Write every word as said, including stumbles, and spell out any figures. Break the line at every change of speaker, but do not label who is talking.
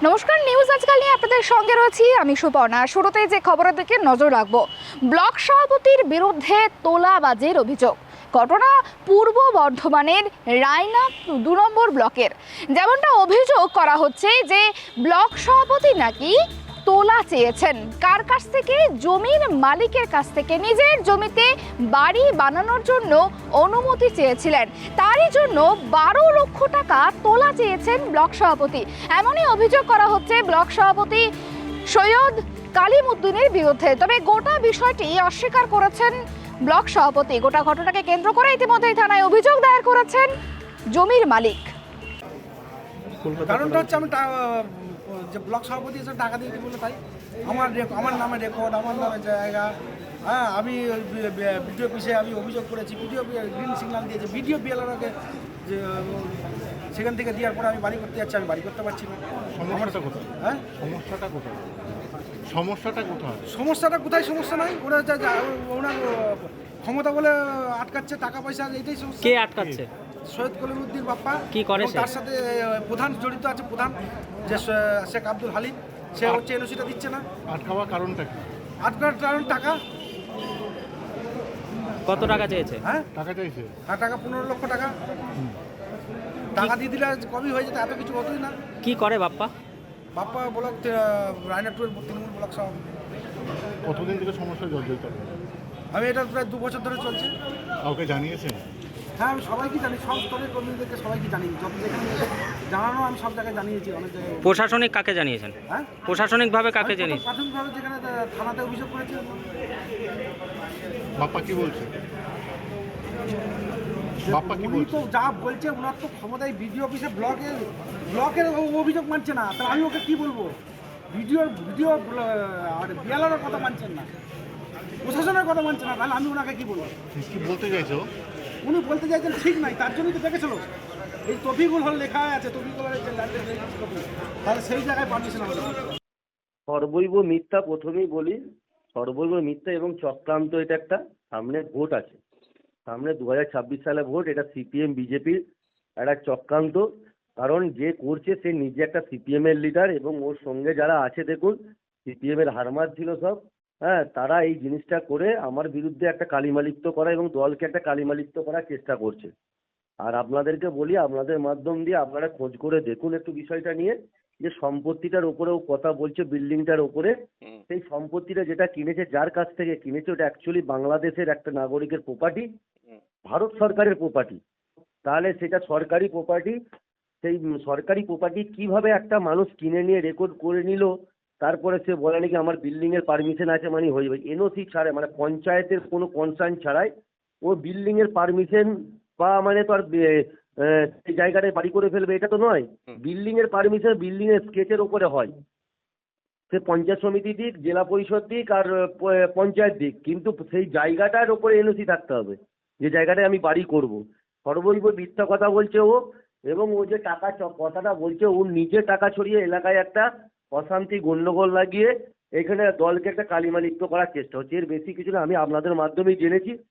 নমস্কার, নিউজ আজকাল নিয়ে আপনাদের সঙ্গে রয়েছি আমি সুপর্ণা। শুরুতে যে খবরের দিকে নজর রাখবো, ব্লক সভাপতির বিরুদ্ধে তোলাবাজির অভিযোগ। ঘটনা পূর্ব বর্ধমানের রায়না দু নম্বর ব্লকের। যেমনটা অভিযোগ করা হচ্ছে যে ব্লক সভাপতি নাকি তোলা চেয়েছেন কার কাছ থেকে, জমির মালিকের কাছ থেকে। নিজের জমিতে বাড়ি বানানোর জন্য অনুমতি চেয়েছিলেন, তারই জন্য বারো লক্ষ টাকা তোলা চেয়েছেন ব্লক সভাপতি। এমনই অভিযোগ করা হচ্ছে ব্লক সভাপতি সৈয়দ কালিমউদ্দিনের বিরুদ্ধে। তবে গোটা বিষয়টি অস্বীকার করেছেন ব্লক সভাপতি। গোটা ঘটনাকে কেন্দ্র করে ইতিমধ্যেই থানায় অভিযোগ দায়ের করেছেন জমির মালিক।
কারণটা হচ্ছে আমি যে ব্লক সভাপতি এসে টাকা দিয়েছি বলে তাই আমার আমার নামে রেকর্ড, আমার নামে জায়গা। হ্যাঁ, আমি ভিডিও অফিসে আমি অভিযোগ করেছি, ভিডিও গ্রিন সিগন্যাল দিয়েছে, ভিডিও বিএলআরকে যে সেখান থেকে দেওয়ার পরে আমি বাড়ি করতে যাচ্ছি, আমি বাড়ি করতে পারছি না।
সমস্যাটা কোথায়?
হ্যাঁ,
সমস্যাটা কোথায়? সমস্যাটা কোথায়?
সমস্যাটা কোথায়? সমস্যা নাই, ওরা ওনার ক্ষমতা বলে আটকাচ্ছে, টাকা পয়সা, এইটাই সমস্যা।
কে আটকাচ্ছে?
সৈয়দ কলিমউদ্দিন বাপ্পা।
কি করে সে?
তার সাথে প্রধান জড়িত আছে, প্রধান যে শেখ আব্দুল হালিম, সে হচ্ছে এনওসিটা দিচ্ছে না।
আটকাওয়ার কারণটা কি?
আটকার কারণ টাকা।
কত টাকা চেয়েছে?
হ্যাঁ,
টাকা চাইছে?
আর টাকা পনেরো লক্ষ টাকা। টাকা দিয়ে দিলে কমই হয়ে যেত, এত কিছু হতোই না।
কি করে বাপ্পা?
বাপ্পা ব্লক রায়নাটুয়ের তৃণমূল ব্লক সভাপতি।
কতদিন থেকে সমস্যা জর্জরিত?
আমি এটা প্রায় দু বছর ধরে চলছে।
কাউকে জানিয়েছেন?
হ্যাঁ, আমি সবাইকে জানি, সব স্তরের কর্মীদেরকে সবাইকে জানি, যত যেখানে জানানো আমি সব জায়গায় জানিয়েছি, অনেক জায়গায়।
প্রশাসনিক কাকে জানিয়েছেন?
হ্যাঁ,
প্রশাসনিকভাবে কাকে
আমি প্রথম
জানিয়েছেন?
প্রাথমিকভাবে যেখানে থানাতে অভিযোগ করেছি।
বাপ্পা কি বলছে? বাপ্পা কি
উনি
বলছে?
তো যা বলছে, ওনার তো ক্ষমতায় বিডিও অফিসে ব্লকের ব্লকের অভিযোগ মানছে না, তাহলে আমি ওকে কি বলবো? ভিডিওর ভিডিও আর বিয়ালার কথা মানছেন না, প্রশাসনের কথা মানছে না, তাহলে আমি ওনাকে কি বলবো?
কি বলতে চাইছো?
উনি বলতে চাইছেন ঠিক নাই, তার জন্যই তো দেখেছিল এই তফিকুল হল লেখা আছে, তফিকুল হলের যে ল্যান্ডের তাহলে সেই জায়গায় পারমিশন আমাদের।
সর্বৈব মিথ্যা, প্রথমেই বলি সর্বৈব মিথ্যা এবং চক্রান্ত। এটা একটা সামনে ভোট আছে, সামনে দু হাজার ছাব্বিশ সালে ভোট, এটা সিপিএম বিজেপির একটা চক্রান্ত। কারণ যে করছে সে নিজে একটা সিপিএম এর লিডার এবং ওর সঙ্গে যারা আছে, দেখুন সিপিএম এর হারমাত ছিল সব। হ্যাঁ, তারা এই জিনিসটা করে আমার বিরুদ্ধে একটা কালিমালিপ্ত করা এবং দলকে একটা কালিমালিপ্ত করার চেষ্টা করছে। আর আপনাদেরকে বলি, আপনাদের মাধ্যম দিয়ে আপনারা খোঁজ করে দেখুন একটু বিষয়টা নিয়ে, যে সম্পত্তিটার উপরেও কথা বলছে, বিল্ডিংটার উপরে। সেই সম্পত্তিটা যেটা কিনেছে, যার কাছ থেকে কিনেছে, ওটা অ্যাকচুয়ালি বাংলাদেশের একটা নাগরিকের প্রপার্টি, ভারত সরকারের প্রপার্টি। তাহলে সেটা সরকারি প্রপার্টি, সেই সরকারি প্রপার্টি কিভাবে একটা মানুষ কিনে নিয়ে রেকর্ড করে নিল, তারপরে সে বলে নাকি আমার বিল্ডিং এর পারমিশন আছে, মানে হয়ে যাবে এনওসি ছাড়াই, মানে পঞ্চায়েতের কোনো কনসার্ন ছাড়াই ও বিল্ডিং এর পারমিশন বা মানে তো আর সেই জায়গাটায় বাড়ি করে ফেলবে, এটা তো নয়। বিল্ডিং এর পারমিশন বিল্ডিং এর স্কেচের ওপরে হয়, সে পঞ্চায়েত সমিতি দিক, জেলা পরিষদ দিক আর পঞ্চায়েত দিক, কিন্তু সেই জায়গাটার ওপরে এনওসি থাকতে হবে যে জায়গাটায় আমি বাড়ি করব। সর্বৈব মিথ্যা কথা বলছে ও, এবং ও যে টাকা কথাটা বলছে, ও নিজে টাকা ছড়িয়ে এলাকায় একটা অশান্তি গন্ডগোল লাগিয়ে এখানে দলকে একটা কালিমালিপ্ত করার চেষ্টা হচ্ছে। এর বেশি কিছু না, আমি আপনাদের মাধ্যমেই জেনেছি।